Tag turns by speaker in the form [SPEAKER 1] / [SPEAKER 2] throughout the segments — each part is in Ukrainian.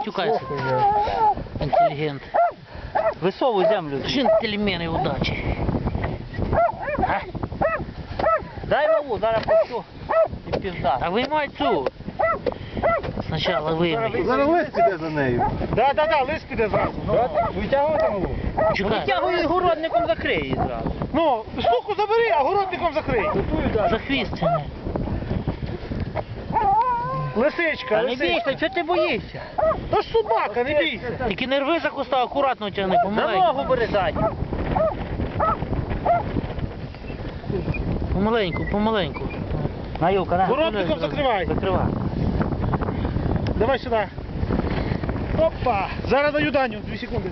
[SPEAKER 1] матюкайся. Інтелігент.
[SPEAKER 2] Висовуй землю.
[SPEAKER 1] Джентльмени удачі.
[SPEAKER 2] Дай малу, зараз пущу і пізда.
[SPEAKER 1] А виймай цю. Спочатку виймай.
[SPEAKER 3] Зараз лист піде за нею.
[SPEAKER 4] Да, лист піде зразу. Витягувати малу.
[SPEAKER 1] Чекай.
[SPEAKER 2] Витягуй городником, закрий її зразу.
[SPEAKER 4] Ну, суку забери, а городником закрий.
[SPEAKER 1] За хвіст тяни.
[SPEAKER 4] Лисичка,
[SPEAKER 2] Та не бійся, чого ти боїшся?
[SPEAKER 4] То ж собака, не бійся.
[SPEAKER 1] Тільки не рви за куста, акуратно тягни,
[SPEAKER 2] За
[SPEAKER 1] помаленьку.
[SPEAKER 2] ногу бери задню.
[SPEAKER 1] Помаленьку, помаленьку.
[SPEAKER 2] На, Юлка, на.
[SPEAKER 4] Городником закривай.
[SPEAKER 2] Закривай.
[SPEAKER 4] Давай сюди. Опа. Зараз даю Даню, 2 секунди.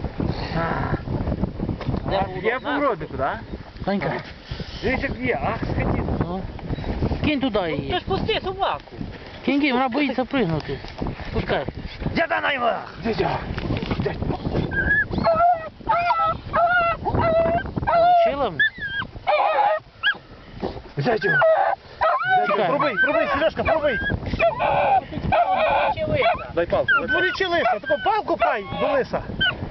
[SPEAKER 2] Є по городнику, так?
[SPEAKER 1] Санька,
[SPEAKER 4] Дивись, як є, ах, скотина.
[SPEAKER 1] ну. Кинь туди
[SPEAKER 2] Ти
[SPEAKER 1] її.
[SPEAKER 2] ж пусти собаку.
[SPEAKER 1] Кинь, вона боїться пригнути. Пускай.
[SPEAKER 2] Дяда на його!
[SPEAKER 1] Получила мене?
[SPEAKER 4] Взять його.
[SPEAKER 1] Чекай.
[SPEAKER 4] Пробий, Сережка, пробий.
[SPEAKER 3] Дай палку.
[SPEAKER 4] Дволічи лиса, таку палку пай до лиса.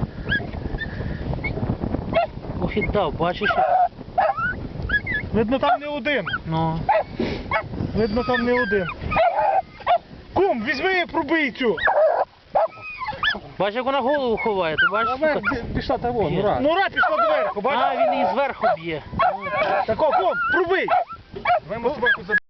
[SPEAKER 1] Ох і дав, бачиш?
[SPEAKER 4] Видно, там не один.
[SPEAKER 1] Ну.
[SPEAKER 4] Видно, там не один. Кум, візьми, пробий цю.
[SPEAKER 1] Бачиш, як вона голову ховає, ти бачиш?
[SPEAKER 4] Наверх пішла того, Нура. Нура пішла доверху,
[SPEAKER 1] А,
[SPEAKER 4] бачиш?
[SPEAKER 1] він її зверху б'є.
[SPEAKER 4] Тако, кум, пробий.